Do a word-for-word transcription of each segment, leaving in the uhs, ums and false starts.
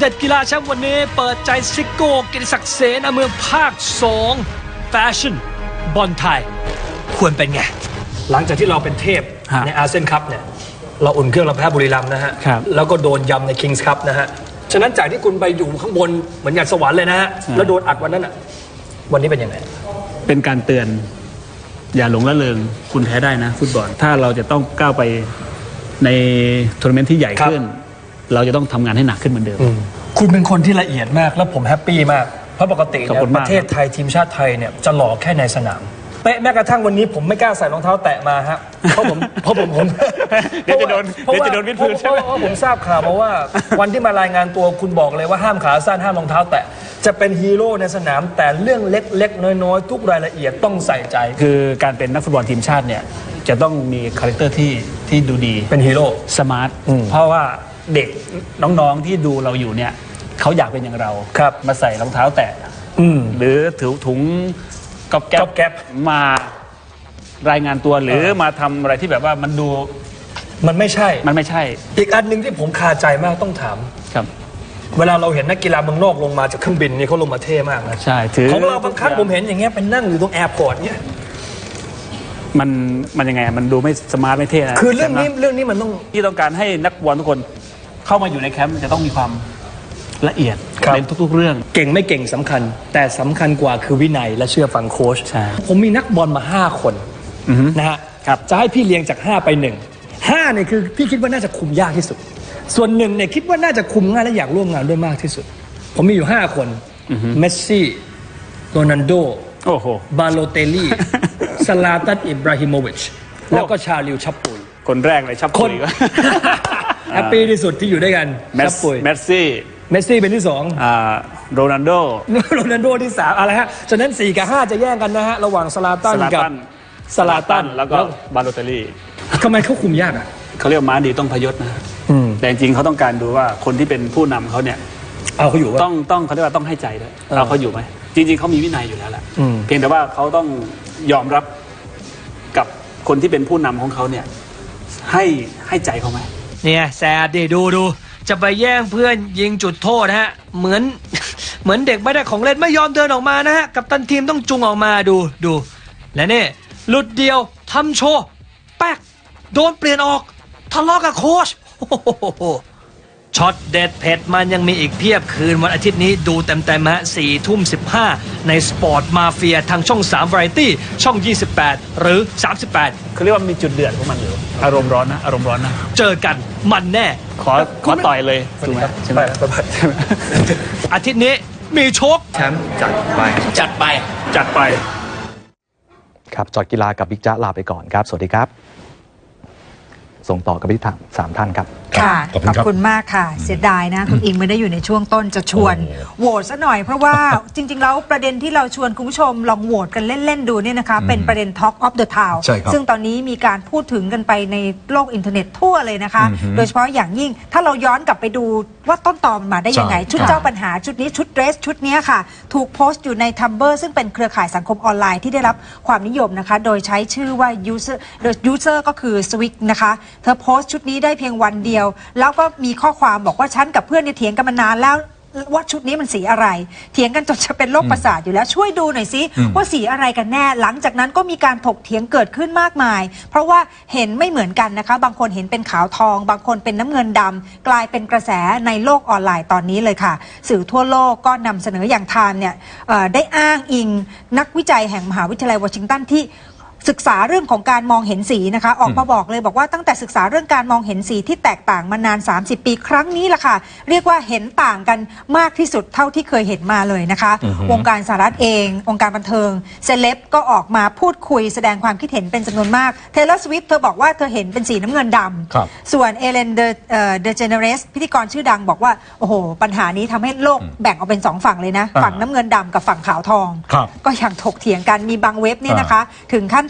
ด็ดกีฬาแชมป์วันนี้เปิดใจซิโก้กิติศักดิ์เสนาเมืองภาคสองแฟชั่นบอลไทยควรเป็นไงหลังจากที่เราเป็นเทพในอาเซียนคัพเนี่ยเราอุ่นเครื่องเราแพ้บุรีรัมย์นะฮะแล้วก็โดนยำในคิงส์คัพนะฮะฉะนั้นจากที่คุณไปอยู่ข้างบนเหมือนอย่างสวรรค์เลยนะฮะแล้วโดนอัดวันนั้นอ่ะวันนี้เป็นยังไงเป็นการเตือนอย่าหลงละเลงคุณแพ้ได้นะฟุตบอลถ้าเราจะต้องก้าวไปในทัวร์นาเมนต์ที่ใหญ่ขึ้นเราจะต้องทำงานให้หนักขึ้นเหมือนเดิมคุณเป็นคนที่ละเอียดมากแล้วผมแฮปปี้มากเพราะปกติเนี่ยประเทศไทยทีมชาติไทยเนี่ยจะหล่อแค่ในสนามเป๊ะแม้กระทั่งวันนี้ผมไม่กล้าใส่รองเท้าแตะมาฮะเพราะผมเพราะผมผมเดี๋ยวจะโดนเดี๋ยวจะโดนวิดพื้นใช่ไหมเพราะผมทราบข่าวมาว่าวันที่มารายงานตัวคุณบอกเลยว่าห้ามขาสั้นห้ามรองเท้าแตะจะเป็นฮีโร่ในสนามแต่เรื่องเล็กๆน้อยๆทุกรายละเอียดต้องใส่ใจคือการเป็นนักฟุตบอลทีมชาติเนี่ยจะต้องมีคาแรคเตอร์ที่ที่ดูดีเป็นฮีโร่สมาร์ทเพราะว่าเด็กน้องๆที่ดูเราอยู่เนี่ยเขาอยากเป็นอย่างเราครับมาใส่รองเท้าแตะหรือถือถุงก๊อบแก๊บมารายงานตัวหรือมาทำอะไรที่แบบว่ามันดูมันไม่ใช่มันไม่ใช่อีกอันหนึ่งที่ผมคาใจมากต้องถามครับเวลาเราเห็นนักกีฬาเมืองนอกลงมาจากเครื่องบินนี่เขาลงมาเท่มากนะใช่ถือของเราบางครั้งผมเห็นอย่างเงี้ยเป็นนั่งอยู่ตรงแอร์พอร์ตเนี่ยมันมันยังไงมันดูไม่สมาร์ทไม่เท่นะคือเรื่องนี้เรื่องนี้มันต้องที่ต้องการให้นักบอลทุกคนเข้ามาอยู่ในแคมป์จะต้องมีความละเอียดในทุกๆเรื่องเก่งไม่เก่งสำคัญแต่สำคัญกว่าคือวินัยและเชื่อฟังโค้ชผมมีนักบอลมาห้าคนนะฮะจะให้พี่เลี้ยงจากห้าไปหนึ่งห้าเนี่ยคือพี่คิดว่าน่าจะคุมยากที่สุดส่วนหนึ่งเนี่ยคิดว่าน่าจะคุมง่ายและอยากร่วมงานด้วยมากที่สุดผมมีอยู่ห้าคนเมสซี่โรนัลโดบาโลเตลลี่ซาลาตันอิบราฮิโมวิชแล้วก็ชาลิวชับปุยคนแรกเลยชับปุยก็แฮปปี้ที่สุดที่อยู่ด้วยกันชับปุยเมสซี่เมสซี่เป็นที่สองโรนัลโดโรนัลโดที่สามอะไรฮะฉะนั้นสี่กับห้าจะแย่งกันนะฮะระหว่างซาลาตันกับซาลาตันแล้วก็บาโลเตลลี่ทำไมเขาคุมยากอ่ะเขาเรียกม้าดีต้องพยศนะแต่จริงๆเขาต้องการดูว่าคนที่เป็นผู้นำเขาเนี่ยเอาเขาอยู่ต้องต้องเขาเรียกว่าต้องให้ใจด้วยเอาเขาอยู่ไหมจริงๆเขามีวินัยอยู่แล้วแหละเพียงแต่ว่าเขาต้องยอมรับกับคนที่เป็นผู้นำของเขาเนี่ยให้ให้ใจเขาไหมเนี่ยแซดดิดูดูจะไปแย่งเพื่อนยิงจุดโทษนะฮะเหมือนเหมือนเด็กไม่ได้ของเล่นไม่ยอมเดินออกมานะฮะกัปตันทีมต้องจุงออกมาดูดูและนี่หลุดเดียวทำโชว์แป๊กโดนเปลี่ยนออกทะเลาะกับโค้ชช็อตเด็ดเผ็ดมันยังมีอีกเพียบคืนวันอาทิตย์นี้ดูเต็มๆฮะสี่ทุ่มสิบห้าในสปอร์ตมาเฟียทางช่องสาม Variety ช่องยี่สิบแปดหรือสามสิบแปดเขาเรียกว่ามีจุดเดือดของมันอยู่อารมณ์ร้อนนะอารมณ์ร้อนนะเจอกันมันแน่ขอขอต่อยเลยถูกไหมใช่ไหมอาทิตย์นี้มีโชคแชมป์จัดไปจัดไปจัดไปครับจอดกีฬากับบิ๊กจ๊ะลาไปก่อนครับสวัสดีครับส่งต่อกับพี่ถามสามท่านครับค่ะขอบคุณมากค่ะเสียดายนะคุณอิงไม่ได้อยู่ในช่วงต้นจะชวนโหวตซะหน่อยเพราะว่าจริงๆแล้วประเด็นที่เราชวนคุณผู้ชมลองโหวตกันเล่นๆดูเนี่ยนะคะเป็นประเด็น Talk of the Town ซึ่งตอนนี้มีการพูดถึงกันไปในโลกอินเทอร์เน็ตทั่วเลยนะคะโดยเฉพาะอย่างยิ่งถ้าเราย้อนกลับไปดูว่าต้นตอมันมาได้ยังไงชุดเจ้าปัญหาชุดนี้ชุดเดรสชุดนี้ค่ะถูกโพสต์อยู่ใน Tumblr ซึ่งเป็นเครือข่ายสังคมออนไลน์ที่ได้รับความนิยมนะคะโดยใช้ชื่อว่า user user ก็คือ Swick นะคะเธอโพสต์ชุดนี้ได้เพียงวันเดียวแล้วก็มีข้อความบอกว่าฉันกับเพื่อนเนี่ยเถียงกันมานานแล้วว่าชุดนี้มันสีอะไรเถียงกันจนจะเป็นโรคประสาทอยู่แล้วช่วยดูหน่อยสิว่าสีอะไรกันแน่หลังจากนั้นก็มีการถกเถียงเกิดขึ้นมากมายเพราะว่าเห็นไม่เหมือนกันนะคะบางคนเห็นเป็นขาวทองบางคนเป็นน้ำเงินดำกลายเป็นกระแสในโลกออนไลน์ตอนนี้เลยค่ะสื่อทั่วโลกก็นำเสนออย่างไทม์เนี่ยได้อ้างอิงนักวิจัยแห่งมหาวิทยาลัยวอชิงตันที่ศึกษาเรื่องของการมองเห็นสีนะคะออกมาบอกเลยบอกว่าตั้งแต่ศึกษาเรื่องการมองเห็นสีที่แตกต่างมานานสามสิบปีครั้งนี้ล่ะค่ะเรียกว่าเห็นต่างกันมากที่สุดเท่าที่เคยเห็นมาเลยนะคะวงการสหรัฐเององค์การบันเทิงเซเลบก็ออกมาพูดคุยแสดงความคิดเห็นเป็นจำนวนมากเทเลอร์สวิฟต์เธอบอกว่าเธอเห็นเป็นสีน้ำเงินดำส่วนเอเลนเดเดเจเนเรสพิธีกรชื่อดังบอกว่าโอ้โหปัญหานี้ทำให้โลกแบ่งออกเป็นสองฝั่งเลยนะฝั่งน้ำเงินดำกับฝั่งขาวทองก็ยังถกเถียงกันมีบางเว็บเนี่ยนะคะถึงขั้น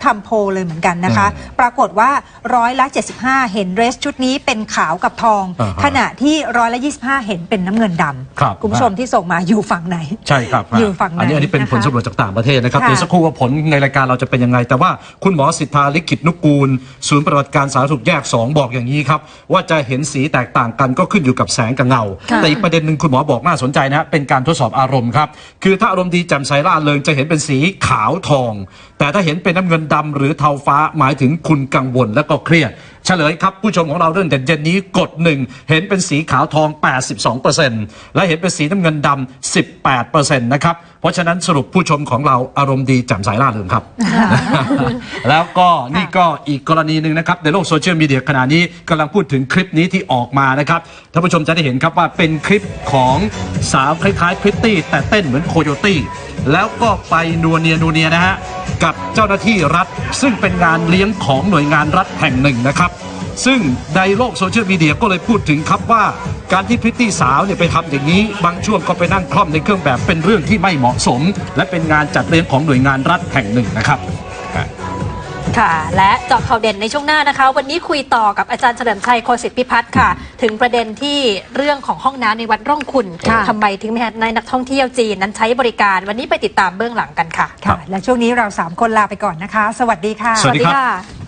ทำโพลเลยเหมือนกันนะคะปรากฏว่าร้อยละเจ็ดสิบห้าเห็นเดรสชุดนี้เป็นขาวกับทองขณะที่ร้อยละยี่สิบห้าเห็นเป็นน้ำเงินดำคุณผู้ชมที่ส่งมาอยู่ฝั่งไหนใช่ครับอยู่ฝั่งไหนอันนี้อันนี้เป็นผลสำรวจจากต่างประเทศนะครับเดี๋ยวสักครู่ว่าผลในรายการเราจะเป็นยังไงแต่ว่าคุณหมอสิทธาลิขิตนุกูลศูนย์ปฏิบัติการสาธารณสุขแยกสองบอกอย่างนี้ครับว่าจะเห็นสีแตกต่างกันก็ขึ้นอยู่กับแสงกับเงาแต่อีกประเด็นหนึ่งคุณหมอบอกน่าสนใจนะเป็นการทดสอบอารมณ์ครับคือถ้าอารมณ์ดีแจ่มใสร่าเริงจะเห็นเป็นสีขาวทองแต่ถ้าเห็นเป็นน้ำเงินดำหรือเทาฟ้าหมายถึงคุณกังวลและก็เครียดเฉลยครับผู้ชมของเราเรื่องเด่นเย็นนี้กดหนึ่งเห็นเป็นสีขาวทอง แปดสิบสองเปอร์เซ็นต์ และเห็นเป็นสีน้ำเงินดำ สิบแปดเปอร์เซ็นต์ นะครับเพราะฉะนั้นสรุปผู้ชมของเราอารมณ์ดีแจ่มใสร่าเริงครับ แล้วก็นี่ก็อีกกรณีหนึ่งนะครับในโลกโซเชียลมีเดียขณะนี้กำลังพูดถึงคลิปนี้ที่ออกมานะครับท่านผู้ชมจะได้เห็นครับว่าเป็นคลิปของสาวคล้ายๆพริตตี้แต่เต้นเหมือนโคโยตี้แล้วก็ไปนัวเนียนัวเนียนะฮะกับเจ้าหน้าที่รัฐซึ่งเป็นงานเลี้ยงของหน่วยงานรัฐแห่งหนึ่งนะครับซึ่งในโลกโซเชียลมีเดียก็เลยพูดถึงครับว่าการที่พริตตี้สาวเนี่ยไปทำอย่างนี้บางช่วงก็ไปนั่งคล่อมในเครื่องแบบเป็นเรื่องที่ไม่เหมาะสมและเป็นงานจัดเลี้ยงของหน่วยงานรัฐแห่งหนึ่งนะครับค่ะและเจาะข่าวเด่นในช่วงหน้านะคะวันนี้คุยต่อกับอาจารย์เฉลิมชัยโคสิทธิพิพัฒน์ค่ะถึงประเด็นที่เรื่องของห้องน้ำในวัดร่องคุณทำไมถึงมีนักท่องเที่ยวจีนนั้นใช้บริการวันนี้ไปติดตามเบื้องหลังกันค่ะค่ะและช่วงนี้เราสามคนลาไปก่อนนะคะสวัสดีค่ะสวัสดีค่ะ